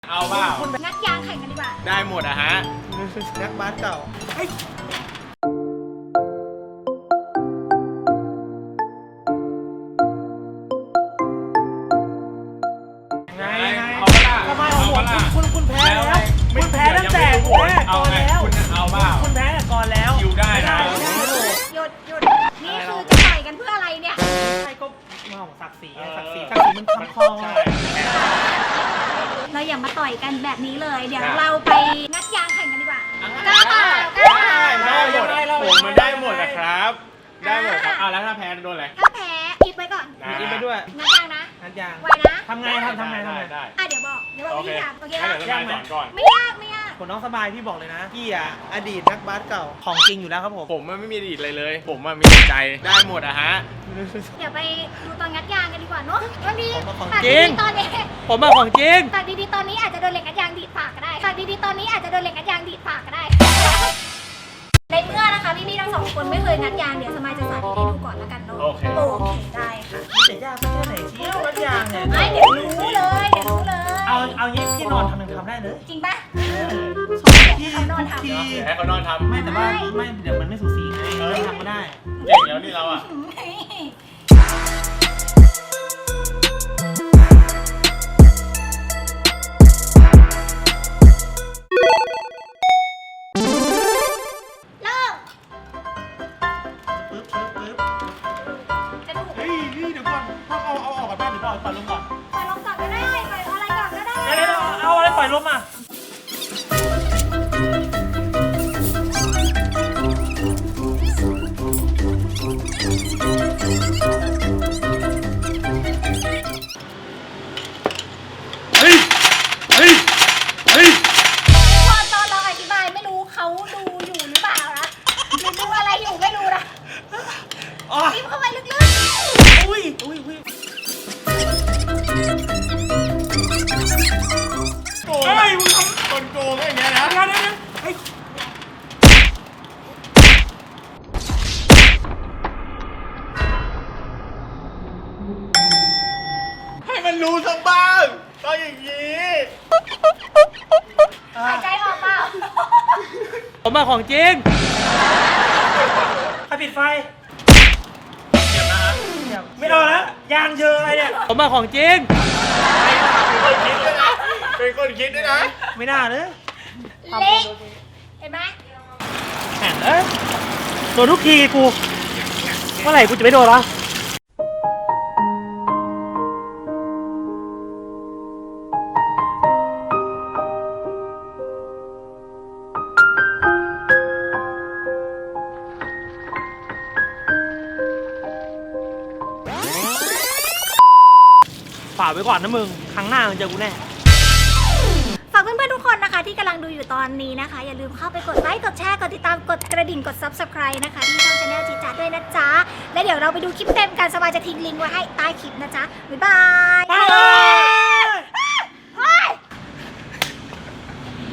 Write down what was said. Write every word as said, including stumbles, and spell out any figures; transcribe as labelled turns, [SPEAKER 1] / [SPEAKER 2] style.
[SPEAKER 1] เอาเปล่า
[SPEAKER 2] งัดยางแข่งกันดีกว่า
[SPEAKER 1] ได้หมดอะฮะ
[SPEAKER 3] นักบาสเก่าไงไงเอาเปล่าทำไมเอาเปล่าคุณคุณแพ้แล้วคุณแพ้ตั้งแต่แพ้ก่อนแล้ว
[SPEAKER 1] คุณเอาเปล่า
[SPEAKER 3] คุณแพ้ก่อนแล้ว
[SPEAKER 1] อยู่ได้นะ
[SPEAKER 2] หยุดหยุดนี่คือจะต่อยกันเพื่ออะไรเนี่ย
[SPEAKER 3] ใช่ก็มาของศักดิ์ศรีศักดิ์ศรีศักดิ์ศรีมันคำคอ
[SPEAKER 2] เราอย่ามาต่อยกันแบบนี้เลยเดี๋ยวเราไปงัดยางแข่งกันดีกว่ากล้าเปล่ากล้าเปล่า
[SPEAKER 1] ได้หมดผมมันได้หมดนะครับได้หมดครับอ่ะแล้วถ้าแพ้โดนอะไร
[SPEAKER 2] ถ้าแพ้อิบไปก่อน
[SPEAKER 3] อิบไปด้วย
[SPEAKER 2] งัดยางนะ
[SPEAKER 3] งัดยาง
[SPEAKER 2] ไวนะ
[SPEAKER 3] ทำไงทำทำไงทำไง
[SPEAKER 1] ได้
[SPEAKER 2] อ่ะเดี๋ยวบอกเดี๋ยวบอกวิธีทำโอเคไหม
[SPEAKER 1] ยากไหมก่อน
[SPEAKER 2] ไม่ยากไม่ยาก
[SPEAKER 3] คนน้องสบายพี่บอกเลยนะพี่อ่ะอดีตนักบาสเก่าของจริงอยู่แล้วครับผม
[SPEAKER 1] ผมไม่มีอดีตอะไรเลยผมมีใจได้หมดอะฮะ
[SPEAKER 2] เดี๋ยวไปดูตอนงัดยางกันดีกว่าเนาะบางที
[SPEAKER 3] ตัดดี
[SPEAKER 2] ๆตอนนี้
[SPEAKER 3] ผมมาของจริง
[SPEAKER 2] ตัดดีๆตอนนี้อาจจะโดนเหล็กงัดยางดีดปากก็ได้ตัดดีๆตอนนี้อาจจะโดนเหล็กงัดยางดีดปากก็ได้ในเมื่อนะคะพี่ๆทั้งสองคนไม่เคยงัดยางเดี๋ยวสมัยจะสาธิตให้ดูก่อนแล้วกันเนาะ
[SPEAKER 1] โอเค
[SPEAKER 2] โอเคได้ค่ะ
[SPEAKER 3] แต่ยากแค่ไหนเชี่ยวงัดยางเนี่ย
[SPEAKER 2] ไม่เดี๋ยวรู้เลยเดี๋ยวรู้เลย
[SPEAKER 3] เอาเอางี้พี่นอนทำหนึ่งทำได้เลย
[SPEAKER 2] จริงปะ
[SPEAKER 3] พี่
[SPEAKER 2] เขานอนทำ
[SPEAKER 1] ให้เขานอนทำ
[SPEAKER 3] ไม่แต่ว่าไม่เดี๋ยวมันไม่สูสีไงทำก็ได้
[SPEAKER 1] เก่งแล้วนี่เราอ่ะ
[SPEAKER 3] ปล่อยลมก่อน
[SPEAKER 2] ปล่อยลมก่อนก็ได้ปล่อยอะไรก่อนก็ได้
[SPEAKER 3] เดี๋ยวเอาอะไรปล่อยลมอ่ะ
[SPEAKER 1] เฮ้ยเฮ้ยเฮ้ย
[SPEAKER 2] พอตอนเราอธิบายไม่รู้เขาดูอยู่หรือเปล่านะหรือดูอะไรอยู่ไม่รู้นะจิ้มเข้าไปลึกๆ
[SPEAKER 3] อุ้ยอุ้ยอุ้ย
[SPEAKER 1] เฮ้ยมึงทำคนโกงอย่างเงี้ยนะ
[SPEAKER 3] เดี๋ยวเดี๋ยวเฮ้ย
[SPEAKER 1] ให้มันรู้สักบ้างต้องอย่างนี้
[SPEAKER 2] หายใจออกเปล่า
[SPEAKER 3] ผมมาของจริงใครปิดไฟ
[SPEAKER 1] เก็บนะฮะ
[SPEAKER 3] ไม่เอาแล้วยางเยอะอะไรเนี่ยผมมาของจริง
[SPEAKER 1] เป็นคนคิดด้วยนะ
[SPEAKER 3] ไม่น่าเลย
[SPEAKER 2] เล็กเห็นไหม
[SPEAKER 3] แข่งเอ้ยโดนทุกทีกูเมื่อไหร่กูจะไม่โดนวะฝากไว้ก่อนนะมึงครั้งหน้ามึงเจอกูแน่
[SPEAKER 2] ฝากเพื่อนๆทุกคนนะคะที่กำลังดูอยู่ตอนนี้นะคะอย่าลืมเข้าไปกดไลค์กดแชร์กดติดตามกดกระดิ่งกด ซับสไครบ์ นะคะที่ช่อง ชาแนล จีจัดด้วยนะจ๊ะและเดี๋ยวเราไปดูคลิปเต็มกันสบายจะทิ้งลิงก์ไว้ให้ใต้คลิปนะจ๊ะบ๊ายบาย